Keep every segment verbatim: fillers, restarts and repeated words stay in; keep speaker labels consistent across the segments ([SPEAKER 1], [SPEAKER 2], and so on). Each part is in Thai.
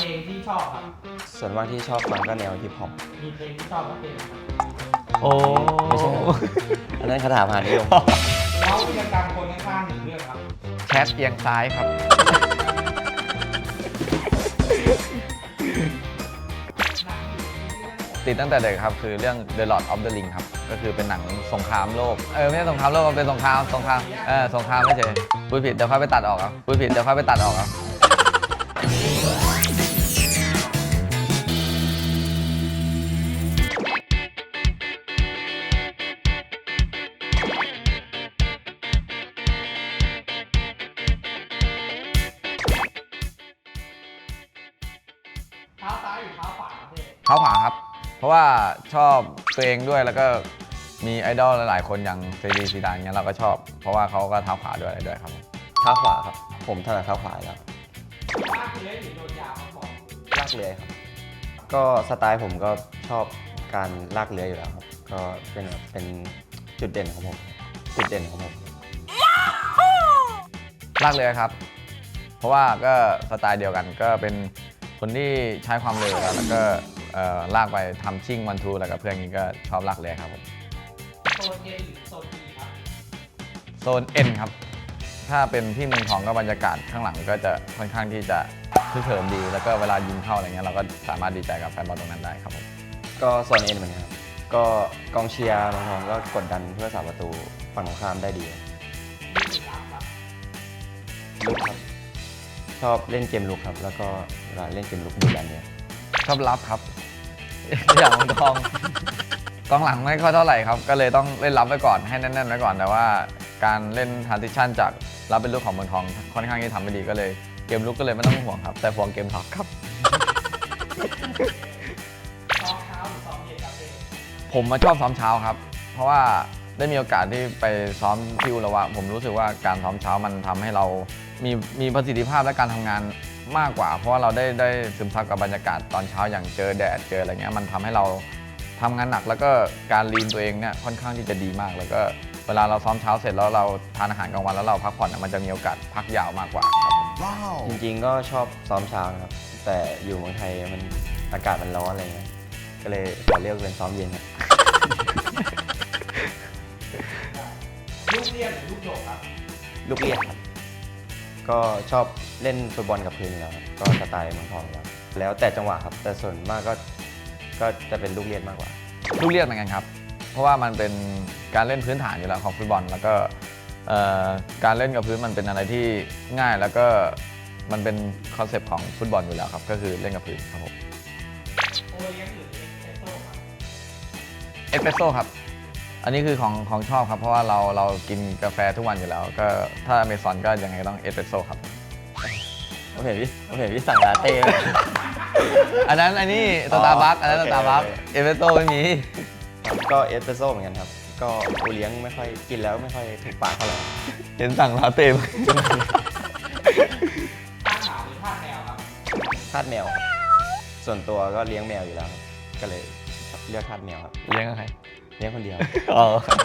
[SPEAKER 1] เพลงที่ชอบครับ
[SPEAKER 2] ส่วนมากที่ชอบฟังก็แนวฮิปฮอป
[SPEAKER 1] มีเพลงที่ชอบก็เพลงครับ
[SPEAKER 3] โอ้
[SPEAKER 2] ไม่ใช่อันนั้นคาถาพานิยม
[SPEAKER 1] แล้ววีรกรรมคนข้างๆหนึ่งเรื่องครับ
[SPEAKER 3] แชทเอียงซ้ายครับติดตั้งแต่เด็กครับคือเรื่อง The Lord of the Ring ครับก็คือเป็นหนังสงครามโลกเออไม่ใช่สงครามโลกมันเป็นสงครามสงครามเออสงครามไม่เฉยพูดผิดเดี๋ยวค่อยไปตัดออกครับพูดผิดเดี๋ยวค่อยไปตัดออกครับ
[SPEAKER 1] เท้าซ้ายหรือเท้าขวาครับพี่
[SPEAKER 3] เท้าขวาครับเพราะว่าชอบตัวเองด้วยแล้วก็มีไอดอลหลายๆคนอย่างเซรีซีดานเงี้ยเราก็ชอบเพราะว่าเขาก็เท้าขวาด้วยอะไรด้วยครับ
[SPEAKER 2] เท้าขวาครับผมถนัดเท้าขวาแล้ว
[SPEAKER 1] ลากเลื้อยหรือโดนยาวครับผม
[SPEAKER 2] ลากเลื้อยครับก็สไตล์ผมก็ชอบการลากเลื้อยอยู่แล้วครับก็เป็นแบบเป็นจุดเด่นของผมจุดเด่นของผม
[SPEAKER 3] ลากเลื้อยครับเพราะว่าก็สไตล์เดียวกันก็เป็นคนที่ใช้ความเร็วแล้วก็ลากไปทำชิ่งวันทูแล้วกับเพื่อนนี้ก็ชอบลากเลื้อยครับผม
[SPEAKER 1] โซน เอ็น หรือโซน อี ครับ
[SPEAKER 3] โซน เอ็น ครับถ้าเป็นที่เมืองทองก็บรรยากาศข้างหลังก็จะค่อนข้างที่จะคึกเขิมดีแล้วก็เวลายิงเข้าอะไรเงี้ยเราก็สามารถดีใจกับแฟนบอลตรงนั้นได้ครับผม
[SPEAKER 2] ก็โซน เอ็น เหมือนกันครับก็กองเชียร์เมืองทองก็กดดันเพื่อสาประตูฝั่งตรงข้ามได้ดีลุกครับชอบเล่นเกมลุกครับแล้วก็เวลาเล่นเกมลุกดูดันเนี่ย
[SPEAKER 3] ชอบรับครับอย่างเมืองทองกองหลังไม่ค่อยเท่าไหร่ครับก็เลยต้องเล่นรับไว้ก่อนให้แน่นๆไว้ก่อนแต่ว่าการเล่น transition จากรับเป็นลูกของเมืองทองค่อนข้างที่ทำไม่ดีก็เลยเกมลุกก็เลยไม่ต้องห่วงครับแต่ห่วงเกมท็อปครับ
[SPEAKER 1] ซ้อมเช้าหรือซ้อมเย็นครับพี่
[SPEAKER 3] ผมมาชอบซ้อมเช้าครับเพราะว่าได้มีโอกาสที่ไปซ้อมที่อุระวะผมรู้สึกว่าการซ้อมเช้ามันทำให้เรามีมีประสิทธิภาพและการทำงานมากกว่าเพราะว่าเราได้ได้ซึมซับกับบรรยากาศตอนเช้าอย่างเจอแดดเจออะไรเงี้ยมันทำให้เราทำงานหนักแล้วก็การลีนตัวเองเนี่ยค่อนข้างที่จะดีมากแล้วก็เวลาเราซ้อมเช้าเสร็จแล้วเราทานอาหารกลางวันแล้วเราพักผ่อนมันจะมีโอกาสพักยาวมากกว่าครับ
[SPEAKER 2] ว้าวจริงๆก็ชอบซ้อมเช้านะครับแต่อยู่เมืองไทยมันอากาศมันร้อนอะไรเงี้ยก็เลยขอเลือกเป็นซ้อมเย็นครับ
[SPEAKER 1] ลูกเรียนหรือลูกโดดครับ
[SPEAKER 2] ลูกเรียนครับก็ชอบเล่นฟุตบอลกับพื้นอยู่แล้วก็สไตล์เมืองทองแล้วแล้วแต่จังหวะครับแต่ส่วนมากก็ก็จะเป็นลูกเรียนมากกว่า
[SPEAKER 3] ลูกเรียนเหมือนกันครับเพราะว่ามันเป็นการเล่นพื้นฐานอยู่แล้วของฟุตบอลแล้วก็การเล่นกับพื้นมันเป็นอะไรที่ง่ายแล้วก็มันเป็นคอนเซปต์ของฟุตบอลอยู่แล้วครับก็คือเล่นกับพื้นครับผม
[SPEAKER 1] โอเลี้ยงหรือเอสเปรสโซ่ครับ
[SPEAKER 3] เอสเปรสโซ่ครับอันนี้คือของของชอบครับเพราะว่าเราเรากินกาแฟทุกวันอยู่แล้วก็ถ้าอเมซอนก็ยังไงต้องเอสเปรสโซ่ครับ
[SPEAKER 2] ผมเห็นพี่ผมเห็นพี่สั่งลาเต้
[SPEAKER 3] อันนั้นอันนี้สตาร์บัคอันนั้นสตาร์บัคเอสเปรสโซ่ไม่มี
[SPEAKER 2] ก็เอสเปรสโซ่เหมือนกันครับก็โอเลี้ยงไม่ค่อยกินแล้วไม่ค่อยถูกปากเท่าไหร่
[SPEAKER 3] เห็นสั่งลาเต้
[SPEAKER 1] ทาสหมาหรือทาสแมวครับ
[SPEAKER 2] ทาสแมวส่วนตัวก็เลี้ยงแมวอยู่แล้วก็เลยเลือกทาสแมวครับ
[SPEAKER 3] เลี้ยงกับใคร
[SPEAKER 2] เลี้ยงคนเดียว
[SPEAKER 3] อ๋อ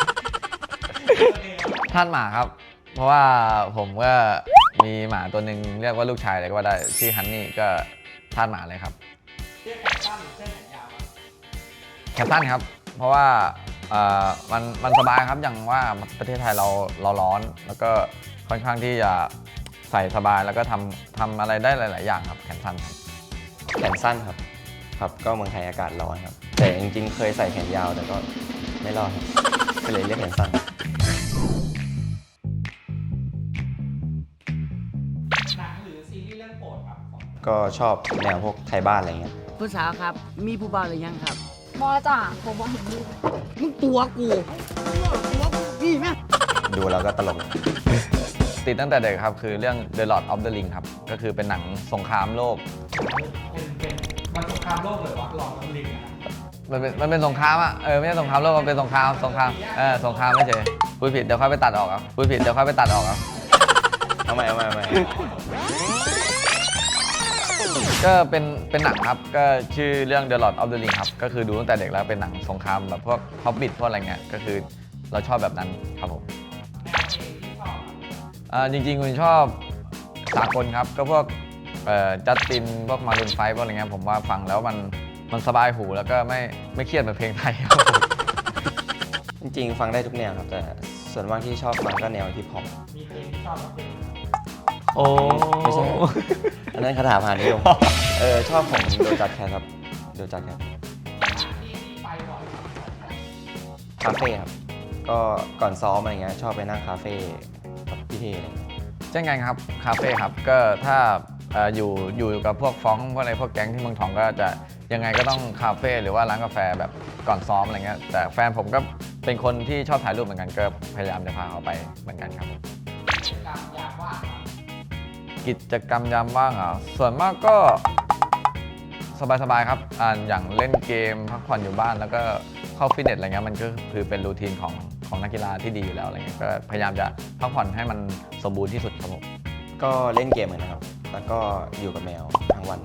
[SPEAKER 3] ทาสหมาครับเพราะว่าผมก็มีหมาตัวหนึ่งเรียกว่าลูกชายเลยก็ว่าได้ชื่อฮันนี่ก็ทาสหมาเลยครับ
[SPEAKER 1] เสื้อแขนสั้นหรือเสื้อแขนยาว
[SPEAKER 3] แขนสั้นครับเพราะว่ามันมันสบายครับอย่างว่าประเทศไทยเราเราร้อนแล้วก็ค่อนข้างที่จะใส่สบายแล้วก็ทำทำอะไรได้หลาย ๆ อย่างครับแขนสั้นครับ
[SPEAKER 2] แขนสั้นครับครับก็เมืองไทยอากาศร้อนครับแต่จริงๆเคยใส่แขนยาวแต่ก็ไม่รอดครับก็เลยเรียกแขนสั้น
[SPEAKER 1] หนังหรือซีรีส์เรื่องโปรดครับ
[SPEAKER 2] ก็ชอบแนวพวกไทยบ้านอะไรเงี้ย
[SPEAKER 4] ผู้สาวครับมีผู้บ่าวหรือยังครับ
[SPEAKER 5] บอจ้ะผมบอกเห็นดู
[SPEAKER 4] มึงตัวกูตัวกูนี่แม่
[SPEAKER 2] ดูแล้วก็ตลก
[SPEAKER 3] ติดตั้งแต่เด็กครับคือเรื่อง The Lord of the Ring ครับก็คือเป็นหนังสงครามโลก
[SPEAKER 1] เป็นเป็นมันสงครามโลกเลยวะ Lord of the Ring
[SPEAKER 3] มันเป็นมันเป็นสงครามอ่ะเออไม่ใช่สงครามโลกมันเป็นสงครามสงครามเออสงครามไม่ใช่พูดผิดเดี๋ยวค่อยไปตัดออกครับพูดผิดเดี๋ยวค่อยไปตัดออกครับ
[SPEAKER 2] เอาใหม่เอาใหม่เอาใหม่
[SPEAKER 3] ก็เป็นเป็นหนังครับก็ชื่อเรื่อง The Lord of the Ring ครับก็คือดูตั้งแต่เด็กแล้วเป็นหนังสงครามแบบพวก Hobbit พวกอะไรเงี้ยก็คือเราชอบแบบนั้นครับผมจริงๆคุณชอบสากลครับก็พวกจัสตินพวกมารูนไฟพวกอะไรเงี้ยผมว่าฟังแล้วมันมันสบายหูแล้วก็ไม่ไม่เครียดเหมือนเพลงไทยครับ
[SPEAKER 2] จริงๆ ฟังได้ทุกแนวครับ แต่ส่วนมากที่ชอบฟังก็แนวฮิปฮอป
[SPEAKER 1] มีเพลงที่ชอบกับเพลง
[SPEAKER 3] โอ้
[SPEAKER 2] ไม่ใช่ อันนั้นคาถาพานิยมเออชอบของโดจัดแคทครับโดจัดแคท
[SPEAKER 1] ที่ที่ไปบ่อยครับ
[SPEAKER 2] คาเฟ่ครับ ก็ก่อนซ้อมอะไรเงี้ยชอบไปนั่งคาเฟ่กับพี่เทอะไรเงี้ย
[SPEAKER 3] เช่นกันครับคาเฟ่ครับก็ถ้าเอ่ออยู่อยู่กับพวกฟ้องพวกอะไรพวกแก๊งที่เมืองทองก็จะยังไงก็ต้องคาเฟ่หรือว่าร้านกาแฟแบบก่อนซ้อมอะไรเงี้ยแต่แฟนผมก็เป็นคนที่ชอบถ่ายรูปเหมือนกันก็พยายามจะพาเขาไปเหมือนกันครับผม
[SPEAKER 1] กิจกรรมยามว่างครับ
[SPEAKER 3] กิจกรรมยามว่างอ่ะส่วนมากก็สบายๆครับอ่าอย่างเล่นเกมพักผ่อนอยู่บ้านแล้วก็เข้าฟิตเนสอะไรเงี้ยมันก็คือเป็นรูทีนของของนักกีฬาที่ดีอยู่แล้วอะไรเงี้ยก็พยายามจะพักผ่อนให้มันสมบูรณ์ที่สุดครับผม
[SPEAKER 2] ก็เล่นเกมเหมือนนะครับ แล้วก็อยู่กับแมวทั้งวัน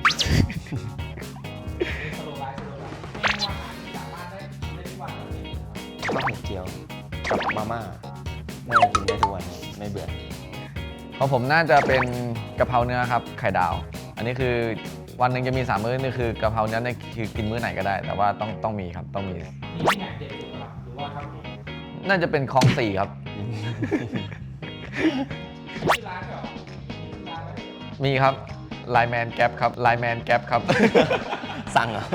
[SPEAKER 1] สโลไลฟ์สโลไลฟ์เมนูอาหารที่สามารถได้กินได้ทุกวันเลย
[SPEAKER 2] ข้าวหมูเจียวกับมาม่าน่าจะกินได้ทุกวันไม่เบื่อ
[SPEAKER 3] ของผมน่าจะเป็นกะเพราเนื้อครับไข่ดาว อันนี้คือวันหนึ่งจะมีสามมื้อนี่คือกะเพราเนื้อนี่คือกินมื้อไหนก็ได้ แต่ว่าต้องต้องมีครับต้องมี
[SPEAKER 1] มีที่ไหนเด็ดสุดครับหรือว่าทำเอง
[SPEAKER 3] น่าจะเป็นคลองสี่ครับ
[SPEAKER 1] ที่ร้านเหรอที่ร้านอะไร
[SPEAKER 3] มีครับไลแมนแก๊ปครับไลแมนแก๊ปครับ
[SPEAKER 2] สั่งเหรอ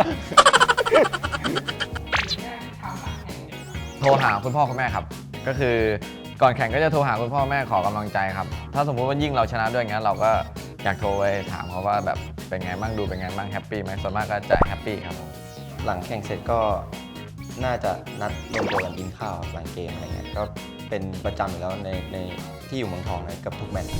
[SPEAKER 1] แค่ทำหลังแข่งเด็กครับ
[SPEAKER 3] โทรหาคุณพ่อคุณแม่ครับ ก็คือก่อนแข่งก็จะโทรหาคุณพ่อแม่ขอกำลังใจครับ ถ้าสมมุติว่ายิ่งเราชนะด้วยงั้นเราก็อยากโทรไปถามเขาว่าแบบเป็นไงบ้างดูเป็นไงบ้างแฮปปี้ไหมส่วนมากก็จะแฮปปี้ครับผม
[SPEAKER 2] หลังแข่งเสร็จก็น่าจะนัดรวมตัวกันกินข้าวหลังเกมอะไรเงี้ยก็เป็นประจำอยู่แล้วในในที่อยู่เมืองทองเลยกับทุกแมตช์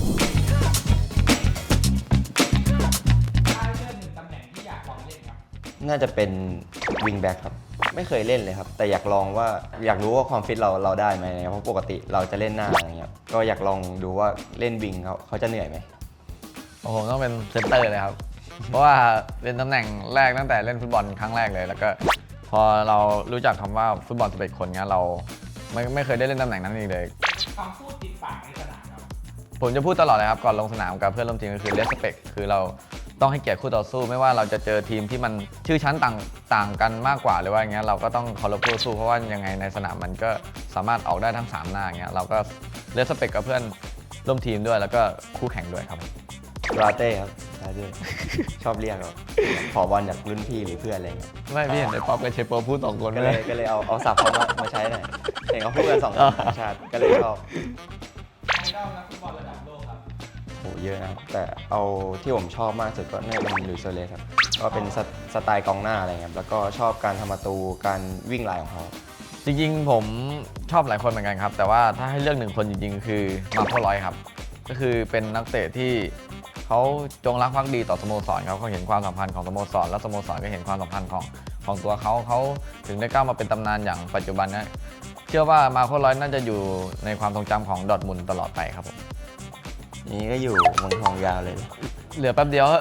[SPEAKER 1] ถ้าเลือกหนึ่งตำแหน่งที่อยากลองเล่นครับ
[SPEAKER 2] น่าจะเป็นวิงแบ็กครับ ไม่เคยเล่นเลยครับ แต่อยากลองว่าอยากรู้ว่าความฟิตเราเราได้ไหมเนี่ยเพราะปกติเราจะเล่นหน้าอะไรเงี้ยก็อยากลองดูว่าเล่นวิงเขาเขาจะเหนื่อยไหม
[SPEAKER 3] โอ้โหต้องเป็นเซนเตอร์เลยครับ เพราะว่าเป็นตำแหน่งแรกตั้งแต่เล่นฟุตบอลครั้งแรกเลย แล้วก็พอเรารู้จักคำว่าฟุตบอลสิบเอ็ดคนเงี้ยเราไม่ไม่เคยได้เล่นตำแหน่งนั้นอีกเลย
[SPEAKER 1] คำพูดติดปากในสนามครับ
[SPEAKER 3] ผมจะพูดตลอดเลยครับก่อนลงสนามกับเพื่อนร่วมทีมก็คือ respect คือเราต้องให้เกียรติคู่ต่อสู้ ไม่ว่าเราจะเจอทีมที่มันชื่อชั้นต่างต่างกันมากกว่าหรือว่าอย่างเงี้ยเราก็ต้องเคารพคู่ต่อสู้เพราะว่ายังไงในสนามมันก็สามารถออกได้ทั้งสามหน้าอย่างเงี้ยเราก็ respect กับเพื่อนร่วมทีมด้วยแล้วก็คู่แข่งด้วยครับ
[SPEAKER 2] ลาเต้ครับลาเต้ ชอบเรียกครับขอบอลจากรุ่นพี่หรือเพื่อนอะไรเงี้ย
[SPEAKER 3] ไม่พี่เห็นไอ้ป๊อปกับเชโปพูดสองคน
[SPEAKER 2] ก็
[SPEAKER 3] เล
[SPEAKER 2] เลย
[SPEAKER 3] ย
[SPEAKER 2] ก็เลยเอาเอาศัพท์เขามามาใช้หน่อยเห็นเขาพูดกันสองคนต่างชาติก็เลยชอบ
[SPEAKER 1] ไอดอลนักฟุตบอลระดับโลกครับ
[SPEAKER 2] โหเยอะนะครับแต่เอาที่ผมชอบมากสุดก็น่าจะเป็นลุยส์โซเลสครับก็เป็นสไตสไตล์กองหน้าอะไรเงี้ยแล้วก็ชอบการทำประตูการวิ่งลายของเขา
[SPEAKER 3] จริงๆผมชอบหลายคนเหมือนกันครับ แต่ว่าถ้าให้เลือกหนึ่งคนจริงๆ คือมาโคร้อยครับ ก็คือเป็นนักเตะที่เขาจงรักภักดีต่อสโมสรเขาเขาเห็นความสัมพันธ์ของสโมสรและสโมสรก็เห็นความสัมพันธ์ของของตัวเขาเขาถึงได้ก้าวมาเป็นตำนานอย่างปัจจุบันนะเชื่อว่ามาโคร้อยน่าจะอยู่ในความทรงจำของดอร์ทมุนด์ตลอดไปครับผม
[SPEAKER 2] นี่ก็อยู่เมืองทองยาวเลย
[SPEAKER 3] เหลือแป๊บเดียว
[SPEAKER 1] รอ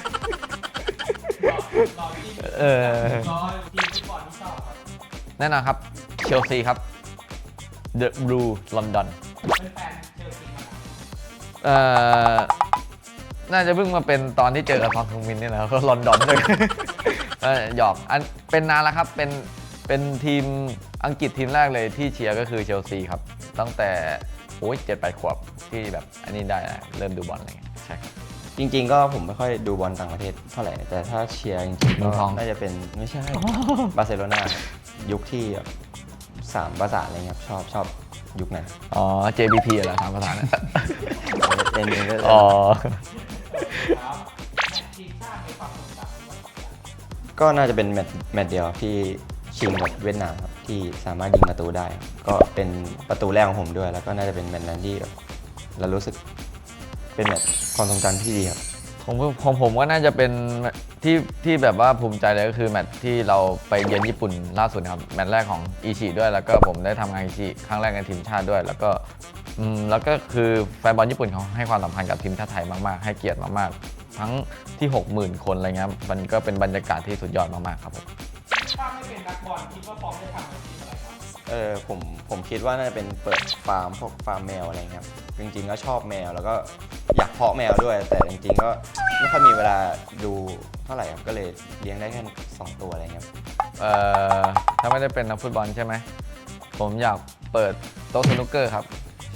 [SPEAKER 1] รอที่
[SPEAKER 3] เออ
[SPEAKER 1] รอทีมฟุตบอลที่ชอบครับ
[SPEAKER 3] แน่นอนครับเชลซีครับ The Blue London
[SPEAKER 1] เป็นแฟนเชลซีมานาน
[SPEAKER 3] เอ่อ น่าจะเพิ่งมาเป็นตอนที่เจอกับซอนฮึงมินนี่แหละก็ลอนดอนเลย เออหยอกอันเป็นนานแล้วครับเป็นเป็นทีมอังกฤษทีมแรกเลยที่เชียร์ก็คือเชลซีครับ ตั้งแต่โอ้ยเจ็ดแปดขวบที่แบบอันนี้ได้นะเริ่มดูบอลอะไรเงี้ยใช่ครับ
[SPEAKER 2] จริงๆก็ผมไม่ค่อยดูบอลต่างประเทศเท่าไหร่แต่ถ้าเชียร์จริงๆ
[SPEAKER 3] เมื
[SPEAKER 2] ก็
[SPEAKER 3] องทอง
[SPEAKER 2] น่าจะเป็นไม่ใช่ บาร์เซโลนายุคที่แบบสามประสานอะไรเงี้ยครับชอบชอบยุคนั้น
[SPEAKER 3] อ๋อ เจ บี พี เหรอทางภาษาเนี่ย
[SPEAKER 2] เล่นเองก็
[SPEAKER 3] อ๋อ
[SPEAKER 1] ครับแมตช์ทีมชาติในความทรงจำของเรา
[SPEAKER 2] ก็น่าจะเป็นแมตช์แมตช์เดียวที่ชิงกับเวียดนามครับที่สามารถยิงประตูได้ครับก็เป็นประตูแรกของผมด้วย แล้วก็น่าจะเป็นแมตช์นั้นที่แบบเรารู้สึกเป็นแมตช์ความทรงจำที่ดีครับ
[SPEAKER 3] ของผมของผมก็น่าจะเป็นที่ที่แบบว่าภูมิใจเลยก็คือแมตช์ที่เราไปเยือนญี่ปุ่นล่าสุดนะครับแมตช์แรกของอิชิด้วยแล้วก็ผมได้ทำงานอิชิครั้งแรกในทีมชาติด้วย แล้วก็อืมแล้วก็คือแฟนบอลญี่ปุ่นเขาให้ความสำคัญกับทีมชาติไทยมากๆให้เกียรติมากๆทั้งที่ หกหมื่น คนอะไรเงี้ยมันก็เป็นบรรยากาศที่สุดยอดมากๆครับผม
[SPEAKER 1] ถ้าไม่เป็นนักบอลคิดว่าฟอร์มได้ทำอาชีพอะไรครับ
[SPEAKER 2] เออผมผมคิดว่าน่าจะเป็นเปิดฟาร์มพวกฟาร์มแมวอะไรเงี้ยครับจริงๆก็ชอบแมวแล้วก็อยากเพาะแมวด้วย แต่จริงๆก็ไม่ค่อยมีเวลาดูเท่าไหร่ครับก็เลยเลี้ยงได้แค่สองตัวอะไรเงี้ย
[SPEAKER 3] เอ่อถ้าไม่ได้เป็นนักฟุตบอลใช่ไหมผมอยากเปิดโต๊ะสนุกเกอร์ครับ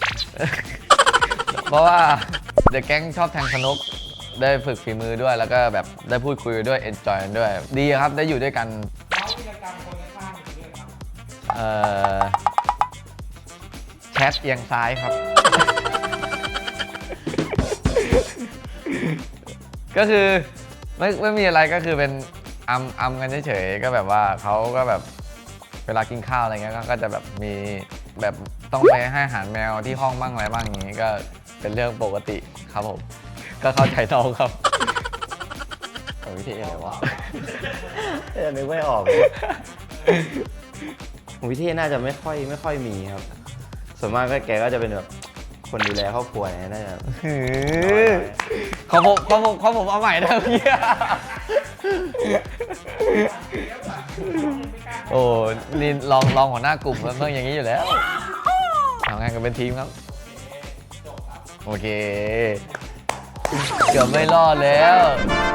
[SPEAKER 3] เพราะว่าเดอะแก๊งชอบแทงสนุกได้ฝึกฝีมือด้วยแล้วก็แบบได้พูดคุยด้วยเอนจอยกันด้วย ดีครับได้อยู่ด้วยกัน
[SPEAKER 1] แล้ววิธีกรรมคนข้างๆอยู่ด้วยครับ
[SPEAKER 3] เอ่อแชทเอียงซ้ายครับ ก็คือไม่ไม่มีอะไรก็คือเป็นอัมอัมกันเฉยๆก็แบบว่าเขาก็แบบเวลากินข้าวอะไรเงี้ยก็ก็จะแบบมีแบบต้องไปให้อาหารแมวที่ห้องบ้างอะไรบ้างอย่างงี้ก็เป็นเรื่องปกติครับผมก็เข้าใจน้องครับ
[SPEAKER 2] ของวิเทศอะไรวะ เออนึกไม่ออกของวิเทศน่าจะไม่ค่อยไม่ค่อยมีครับ ส่วนมากก็แกก็จะเป็นแบบคนดูแลครอบครัวเนี่ยน่าจะ
[SPEAKER 3] ของผมของผมของผมเอาใหม่ได้พี่ โอ้นี่ลองลองหัวหน้ากลุ่มมันต้องอย่างนี้อยู่แล้วทำงานกันเป็นทีมครับ โอเค เกือบไม่รอดแล้ว